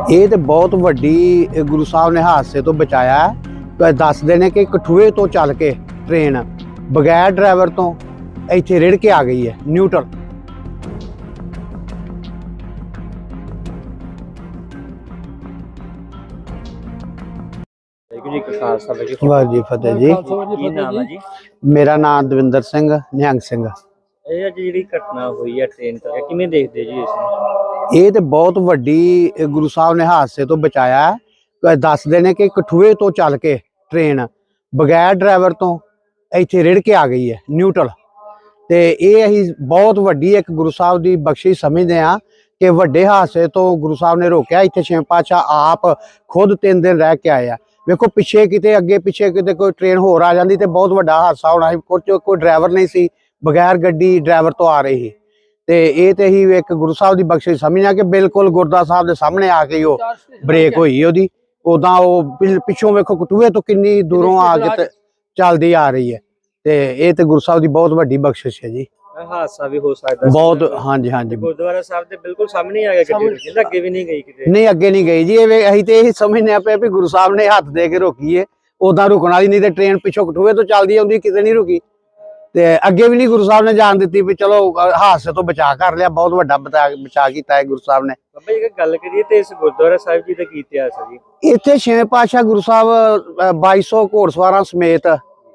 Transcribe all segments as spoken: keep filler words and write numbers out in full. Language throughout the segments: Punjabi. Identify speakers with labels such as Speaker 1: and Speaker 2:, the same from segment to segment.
Speaker 1: ਇਹ ਤੇ ਬਹੁਤ ਵੱਡੀ ਗੁਰੂ ਸਾਹਿਬ ਨੇ ਹਾਦਸੇ ਤੋਂ ਬਚਾਇਆ ਹੈ। ਦੱਸਦੇ ਨੇ ਕਿ ਕਠੂਏ ਤੋਂ ਚੱਲ ਕੇ ਟ੍ਰੇਨ ਬਗੈਰ ਡਰਾਈਵਰ ਤੋਂ ਇੱਥੇ ਰਿੜ ਕੇ ਆ ਗਈ ਹੈ ਨਿਊਟਰਲ। ਵਾਹਿਗੁਰੂ ਜੀ ਫਤਿਹ ਜੀ।
Speaker 2: ਕੀ ਨਾਮ ਹੈ ਜੀ?
Speaker 1: ਮੇਰਾ ਨਾਮ ਦਵਿੰਦਰ ਸਿੰਘ ਨਿਹੰਗ ਸਿੰਘ।
Speaker 2: ਇਹ ਅੱਜ ਜਿਹੜੀ ਘਟਨਾ ਹੋਈ ਹੈ ਟ੍ਰੇਨ ਤੇ, ਕਿਵੇਂ ਦੇਖਦੇ ਜੀ ਇਸ ਨੂੰ?
Speaker 1: ਇਹ ਤੇ ਬਹੁਤ ਵੱਡੀ ਗੁਰੂ ਸਾਹਿਬ ਨੇ ਹਾਦਸੇ ਤੋਂ ਬਚਾਇਆ ਹੈ। ਦੱਸਦੇ ਨੇ ਕਿ ਕਠੂਏ ਤੋਂ ਚੱਲ ਕੇ ਟ੍ਰੇਨ ਬਗੈਰ ਡਰਾਈਵਰ ਤੋਂ ਇੱਥੇ ਰਿੜ ਕੇ ਆ ਗਈ ਹੈ ਨਿਊਟਰਲ। ਤੇ ਇਹ ਅਸੀਂ ਬਹੁਤ ਵੱਡੀ ਇੱਕ ਗੁਰੂ ਸਾਹਿਬ ਦੀ ਬਖਸ਼ਿਸ਼ ਸਮਝਦੇ ਹਾਂ ਕਿ ਵੱਡੇ ਹਾਦਸੇ ਤੋਂ ਗੁਰੂ ਸਾਹਿਬ ਨੇ ਰੋਕਿਆ। ਇੱਥੇ ਛੇਵੇਂ ਪਾਤਸ਼ਾਹ ਆਪ ਖੁਦ ਤਿੰਨ ਦਿਨ ਰਹਿ ਕੇ ਆਏ ਆ। ਵੇਖੋ ਪਿੱਛੇ ਕਿਤੇ ਅੱਗੇ ਪਿੱਛੇ ਕਿਤੇ ਕੋਈ ਟ੍ਰੇਨ ਹੋਰ ਆ ਜਾਂਦੀ ਤੇ ਬਹੁਤ ਵੱਡਾ ਹਾਦਸਾ ਹੋਣਾ ਸੀ। ਕੁਝ ਕੋਈ ਡਰਾਈਵਰ ਨਹੀਂ ਸੀ, ਬਗੈਰ ਗੱਡੀ ਡਰਾਈਵਰ ਤੋਂ ਆ ਰਹੀ ਸੀ। ਤੇ ਇਹ ਤੇ ਹੀ ਇੱਕ ਗੁਰੂ ਸਾਹਿਬ ਦੀ ਬਖਸ਼ਿਸ਼ ਸਮਝਿਆ ਕਿ ਬਿਲਕੁਲ ਗੁਰਦੁਆਰਾ ਸਾਹਿਬ ਦੇ ਸਾਹਮਣੇ ਆ ਕੇ ਉਹ ਬ੍ਰੇਕ ਹੋਈ ਉਹਦੀ। ਉਦਾਂ ਉਹ ਪਿੱਛੋਂ ਵੇਖੋ ਕਟੂਏ ਤੋਂ ਕਿੰਨੀ ਦੂਰੋਂ ਆ ਕੇ ਚੱਲਦੀ ਆ ਰਹੀ ਹੈ। ਤੇ ਇਹ ਤੇ ਗੁਰੂ ਸਾਹਿਬ ਦੀ ਬਹੁਤ ਵੱਡੀ ਬਖਸ਼ਿਸ਼ ਹੈ ਜੀ।
Speaker 2: ਹਾਦਸਾ ਵੀ ਹੋ ਸਕਦਾ
Speaker 1: ਬਹੁਤ। ਹਾਂਜੀ ਹਾਂਜੀ,
Speaker 2: ਗੁਰਦੁਆਰਾ ਸਾਹਿਬ ਦੇ ਬਿਲਕੁਲ ਸਾਹਮਣੇ ਆ ਗਿਆ ਗੱਡੀ, ਅੱਗੇ ਵੀ ਨਹੀਂ ਗਈ ਕਿਤੇ।
Speaker 1: ਨਹੀਂ ਅੱਗੇ ਨਹੀਂ ਗਈ ਜੀ। ਇਹ ਅਸੀਂ ਤੇ ਇਹ ਸਮਝਦੇ ਪਏ ਵੀ ਗੁਰੂ ਸਾਹਿਬ ਨੇ ਹੱਥ ਦੇ ਕੇ ਰੋਕੀ ਹੈ। ਉਦਾਂ ਰੁਕਣ ਵਾਲੀ ਨਹੀਂ ਤੇ ਟ੍ਰੇਨ ਪਿੱਛੋਂ ਕਟੂਏ ਤੋਂ ਚੱਲਦੀ ਆਉਂਦੀ ਕਿਤੇ ਨਹੀਂ ਰੁਕੀ। ਤੇ ਅੱਗੇ ਵੀ ਨਹੀਂ ਗੁਰੂ ਸਾਹਿਬ ਨੇ ਜਾਣ ਦਿੱਤੀ ਵੀ ਚਲੋ ਹਾਦਸੇ ਤੋਂ ਬਚਾ ਕਰ ਲਿਆ। ਬਹੁਤ ਵੱਡਾ ਬਚਾ ਕੀਤਾ ਹੈ ਗੁਰੂ ਸਾਹਿਬ ਨੇ।
Speaker 2: ਬਾਬਾ ਜੀ ਗੱਲ ਕਰੀਏ ਤੇ ਇਸ ਗੁਰਦੁਆਰਾ ਸਾਹਿਬ ਜੀ ਦਾ ਕੀ ਇਤਿਹਾਸ ਹੈ ਜੀ?
Speaker 1: ਇੱਥੇ ਛੇਵੇਂ ਪਾਤਸ਼ਾਹ ਗੁਰੂ ਸਾਹਿਬ ਬਾਈ ਸੌ ਘੋੜਸਵਾਰਾਂ ਸਮੇਤ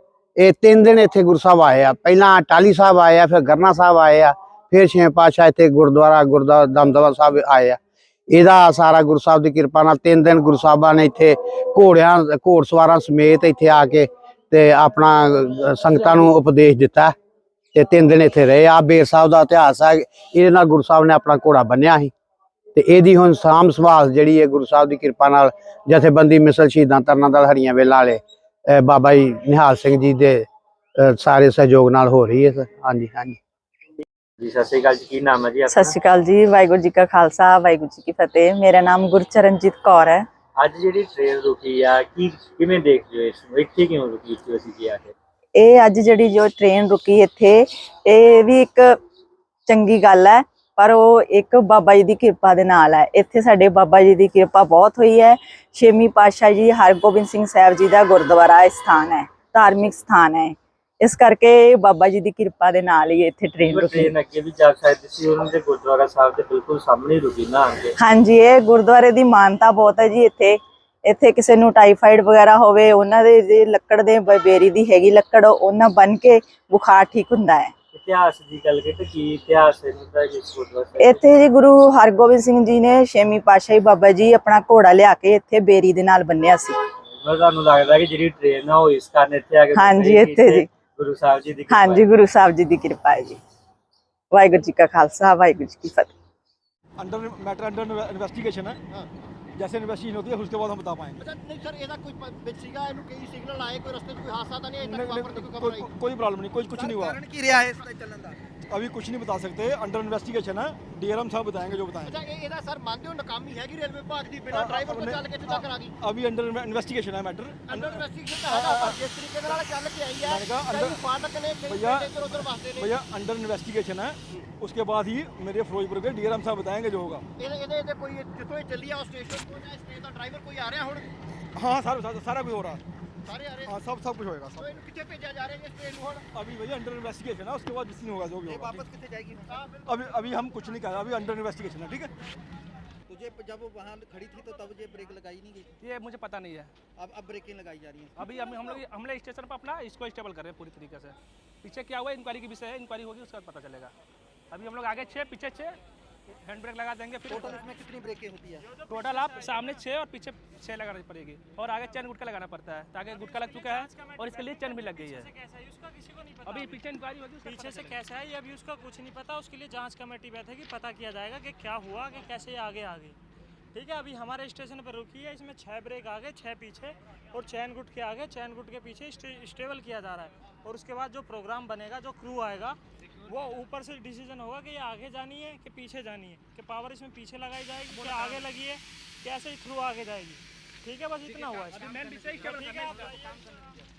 Speaker 1: ਇਹ ਤਿੰਨ ਦਿਨ ਇੱਥੇ ਗੁਰੂ ਸਾਹਿਬ ਆਏ ਆ। ਪਹਿਲਾਂ ਟਾਹਲੀ ਸਾਹਿਬ ਆਏ ਆ, ਫਿਰ ਗਰਨਾ ਸਾਹਿਬ ਆਏ ਆ, ਫਿਰ ਛੇਵੇਂ ਪਾਤਸ਼ਾਹ ਇੱਥੇ ਗੁਰਦੁਆਰਾ ਗੁਰਦੁਆਰਾ ਦਮਦਮਾ ਸਾਹਿਬ ਆਏ ਆ। ਇਹਦਾ ਸਾਰਾ ਗੁਰੂ ਸਾਹਿਬ ਦੀ ਕਿਰਪਾ ਨਾਲ ਤਿੰਨ ਦਿਨ ਗੁਰੂ ਸਾਹਿਬਾਂ ਨੇ ਇੱਥੇ ਘੋੜਿਆਂ ਘੋੜਸਵਾਰਾਂ ਸਮੇਤ ਇੱਥੇ ਆ ਕੇ ਤੇ ਆਪਣਾ ਸੰਗਤਾਂ ਨੂੰ ਉਪਦੇਸ਼ ਦਿੱਤਾ। ਤੇ ਤਿੰਨ ਦਿਨ ਇੱਥੇ ਰਹੇ ਆ। ਬੇਰ ਸਾਹਿਬ ਦਾ ਇਤਿਹਾਸ ਹੈ, ਇਹਦੇ ਨਾਲ ਗੁਰੂ ਸਾਹਿਬ ਨੇ ਆਪਣਾ ਘੋੜਾ ਬੰਨਿਆ ਸੀ। ਤੇ ਇਹਦੀ ਹੁਣ ਸਾਂਭ ਸੰਭਾਲ ਜਿਹੜੀ ਹੈ ਗੁਰੂ ਸਾਹਿਬ ਦੀ ਕਿਰਪਾ ਨਾਲ ਜਥੇਬੰਦੀ ਮਿਸਲ ਸ਼ਹੀਦਾਂ ਤਰਨਾ ਦਲ ਹਰੀਆਂ ਵੇਲਾਂ ਵਾਲੇ ਬਾਬਾ ਜੀ ਨਿਹਾਲ ਸਿੰਘ ਜੀ ਦੇ ਸਾਰੇ ਸਹਿਯੋਗ ਨਾਲ ਹੋ ਰਹੀ ਹੈ। ਹਾਂਜੀ ਹਾਂਜੀ
Speaker 2: ਜੀ, ਸਤਿ ਸ਼੍ਰੀ ਅਕਾਲ ਜੀ। ਕੀ ਨਾਮ ਹੈ ਜੀ ਆਪਣਾ?
Speaker 3: ਸਤਿ ਸ਼੍ਰੀ ਅਕਾਲ ਜੀ। ਵਾਹਿਗੁਰੂ ਜੀ ਕਾ ਖਾਲਸਾ, ਵਾਹਿਗੁਰੂ ਜੀ ਕੀ ਫਤਿਹ। ਮੇਰਾ ਨਾਮ ਗੁਰਚਰਨਜੀਤ ਕੌਰ ਹੈ।
Speaker 2: ਅੱਜ ਜਿਹੜੀ ਟ੍ਰੇਨ ਰੁਕੀ ਆ, ਕੀ ਕਿਵੇਂ ਦੇਖਦੇ ਹੋ ਇਸ ਨੂੰ? ਇੱਥੇ ਕਿਉਂ ਰੁਕੀ ਸੀ ਅਸੀਂ ਕੀ ਆ ਕੇ?
Speaker 3: ਇਹ ਅੱਜ ਜਿਹੜੀ ਜੋ ਟ੍ਰੇਨ ਰੁਕੀ ਇੱਥੇ, ਇਹ ਵੀ ਇੱਕ ਚੰਗੀ ਗੱਲ ਹੈ, ਪਰ ਉਹ ਇੱਕ ਬਾਬਾ ਜੀ ਦੀ ਕਿਰਪਾ ਦੇ ਨਾਲ ਹੈ। ਇੱਥੇ ਸਾਡੇ ਬਾਬਾ ਜੀ ਦੀ ਕਿਰਪਾ ਬਹੁਤ ਹੋਈ ਹੈ। ਛੇਵੀਂ ਪਾਤਸ਼ਾਹ ਜੀ ਹਰਗੋਬਿੰਦ ਸਿੰਘ ਸਾਹਿਬ ਜੀ ਦਾ ਗੁਰਦੁਆਰਾ ਸਥਾਨ ਹੈ, ਧਾਰਮਿਕ ਸਥਾਨ ਹੈ। ਇਸ ਕਰਕੇ ਬਾਬਾ ਜੀ ਦੀ ਕਿਰਪਾ ਦੇ ਨਾਲ ਹੀ ਇੱਥੇ ਟ੍ਰੇਨ ਰੁਕੀ।
Speaker 2: ਟ੍ਰੇਨ ਅੱਗੇ ਵੀ ਜਾ ਸਕਦੀ ਸੀ, ਉਹਨਾਂ ਦੇ ਗੁਰਦੁਆਰਾ ਸਾਹਿਬ ਦੇ ਬਿਲਕੁਲ ਸਾਹਮਣੇ ਰੁਕੀ ਨਾ ਅੱਗੇ।
Speaker 3: ਹਾਂਜੀ, ਇਹ ਗੁਰਦੁਆਰੇ ਦੀ ਮਾਨਤਾ ਬਹੁਤ ਹੈ ਜੀ। ਇੱਥੇ ਇੱਥੇ ਕਿਸੇ ਨੂੰ ਟਾਈਫਾਈਡ ਵਗੈਰਾ ਹੋਵੇ, ਉਹਨਾਂ ਦੇ ਲੱਕੜ ਦੇ ਬੇਰੀ ਦੀ ਹੈਗੀ ਲੱਕੜ, ਉਹਨਾਂ ਬਨ ਕੇ ਬੁਖਾਰ ਠੀਕ ਹੁੰਦਾ ਹੈ।
Speaker 2: ਇਤਿਹਾਸ ਦੀ ਗੱਲ ਕਰੀਏ ਤਾਂ ਕੀ ਇਤਿਹਾਸ ਹੈ ਇਸ ਗੁਰਦੁਆਰਾ?
Speaker 3: ਇੱਥੇ ਜੀ ਗੁਰੂ ਹਰਗੋਬਿੰਦ ਸਿੰਘ ਜੀ ਨੇ ਛੇਵੀਂ ਪਾਤਸ਼ਾਹੀ ਬਾਬਾ ਜੀ ਆਪਣਾ ਘੋੜਾ ਲਿਆ ਕੇ ਇੱਥੇ ਬੇਰੀ ਦੇ ਨਾਲ ਬੰਨਿਆ ਸੀ।
Speaker 2: ਤੁਹਾਨੂੰ ਲੱਗਦਾ ਕਿ ਜਿਹੜੀ ਟ੍ਰੇਨ ਆ ਉਹ ਇਸ ਕਾਰਨ ਇੱਥੇ ਆ ਕੇ?
Speaker 3: ਹਾਂਜੀ, ਇੱਥੇ ਜੀ
Speaker 2: ਗੁਰੂ ਸਾਹਿਬ ਜੀ ਦੀ
Speaker 3: ਹਾਂਜੀ ਗੁਰੂ ਸਾਹਿਬ ਜੀ ਦੀ ਕਿਰਪਾ ਹੈ ਜੀ। ਵਾਹਿਗੁਰੂ ਜੀ ਕਾ ਖਾਲਸਾ, ਵਾਹਿਗुरु जी की फतेह।
Speaker 4: अंडर मैटर अंडर इन्वेस्टिगेशन है। जैसे इन्वेस्टिगेशन होती है उसके बाद हम बता पाएंगे।
Speaker 5: अच्छा नहीं सर, ਇਹਦਾ ਕੋਈ ਵਿੱਚ ਸੀਗਾ, ਇਹਨੂੰ ਕਈ ਸਿਗਨਲ ਆਏ, ਕੋਈ ਰਸਤੇ 'ਚ ਕੋਈ ਹਾਦਸਾ ਤਾਂ ਨਹੀਂ ਅਜੇ ਤੱਕ ਵਾਪਰਦਾ? ਕੋਈ ਖਬਰ ਆਈ?
Speaker 4: कोई प्रॉब्लम नहीं, कोई कुछ नहीं हुआ।
Speaker 5: ਕੀ ਰਿਹਾ ਹੈ ਇਸ ਦਾ ਚੱਲਣ ਦਾ?
Speaker 4: अभी कुछ नहीं बता सकते, अंडर इन्वेस्टिगेशन है। डीआरएम साहब बताएंगे जो बताएंगे।
Speaker 5: ਅੱਛਾ, ਇਹ ਇਹਦਾ ਸਰ ਮੰਨਦੇ ਹੋ ਨਾਕਾਮੀ ਹੈਗੀ ਰੇਲਵੇ ਵਿਭਾਗ ਦੀ, ਬਿਨਾਂ ਡਰਾਈਵਰ ਤੋਂ ਚੱਲ ਕੇ ਇੱਥੇ ਤੱਕ ਆ ਗਈ?
Speaker 4: अभी अंडर इन्वेस्टिगेशन है मैटर।
Speaker 5: ਅੰਡਰ ਇਨਵੈਸਟੀਗੇਸ਼ਨ ਤਾਂ ਹੈਗਾ, ਪਰ ਜਿਸ ਤਰੀਕੇ ਦੇ ਨਾਲ ਚੱਲ ਕੇ ਆਈ ਹੈ, ਕਈ ਫਾਟਕ ਨੇ, ਕਈ
Speaker 4: भैया
Speaker 5: ਇੱਧਰ ਉੱਧਰ ਵਸਦੇ ਨੇ।
Speaker 4: भैया अंडर इन्वेस्टिगेशन है, उसके बाद ही मेरे फिरोजपुर के डीआरएम साहब बताएंगे जो होगा।
Speaker 5: ਇਹਦੇ ਇਹਦੇ ਇਹਦੇ ਕੋਈ ਜਿੱਥੋਂ ਇਹ ਚੱਲੀ ਆ ਉਹ ਸਟੇਸ਼ਨ ਤੋਂ, ਜਾਂ ਇਸ ਟ੍ਰੇਨ ਦਾ ਡਰਾਈਵਰ ਕੋਈ ਆ ਰਿਹਾ ਹੁਣ?
Speaker 4: हाँ सारा सारा, सारा कुछ हो रहा है।
Speaker 5: ਸਾਰੇ ਆ ਰਹੇ?
Speaker 4: हाँ सब सब कुछ होएगा
Speaker 5: ਸੋ
Speaker 4: सब।
Speaker 5: ਇਹਨੂੰ ਕਿੱਥੇ ਭੇਜਿਆ ਜਾ ਰਿਹਾ ਹੈ ਇਸ ਟ੍ਰੇਨ ਨੂੰ ਹੁਣ?
Speaker 4: अभी भैया अंडर इन्वेस्टिगेशन है, उसके बाद जिस नहीं होगा जो भी
Speaker 5: ਇਹ
Speaker 4: होगा।
Speaker 5: ਵਾਪਸ ਕਿੱਥੇ जाएगी? हाँ बिल्कुल।
Speaker 4: अभी अभी हम कुछ नहीं कह रहे, अभी अंडर इन्वेस्टिगेशन है। ठीक है,
Speaker 5: तो ये जब वो वहाँ खड़ी थी तो तब ये ब्रेक लगाई नहीं गई?
Speaker 6: ये मुझे पता नहीं है।
Speaker 5: अब अब ब्रेकिंग लगाई जा रही है।
Speaker 6: अभी हम हम लोग हम लोग स्टेशन पर अपना इसको स्टेबल कर रहे हैं पूरी तरीके से। पीछे क्या हुआ इंक्वायरी के विषय है, इंक्वायरी होगी उसके बाद पता चलेगा। अभी हम लोग आगे छः पीछे छः हैंड ब्रेक लगा देंगे। फिर
Speaker 5: टोटल इसमें कितनी ब्रेकें होती है?
Speaker 6: टोटल आप सामने छः और पीछे छः लगानी पड़ेगी, और आगे चैन गुटका लगाना पड़ता है, ताकि गुटका लग चुका है और इसके लिए चैन भी लग गई है। अभी पीछे इंक्वायरी होगी,
Speaker 7: पीछे से कैसा है ये अभी उसका कुछ नहीं पता। उसके लिए जांच कमेटी बैठेगी, पता किया जाएगा कि क्या हुआ, कि कैसे ये आगे आ गई। ठीक है, अभी हमारे स्टेशन पर रुकी है, इसमें छः ब्रेक आगे, छः पीछे, और चैन गुट के आगे, चैन गुट के पीछे स्टेबल किया जा रहा है। और उसके बाद जो प्रोग्राम बनेगा, जो क्रू आएगा, वो ऊपर से डिसीजन होगा कि ये आगे जानी है कि पीछे जानी है, कि पावर इसमें पीछे लगाई जाएगी कि आगे लगी है, कैसे थ्रू आगे जाएगी। ठीक है, बस इतना हुआ है।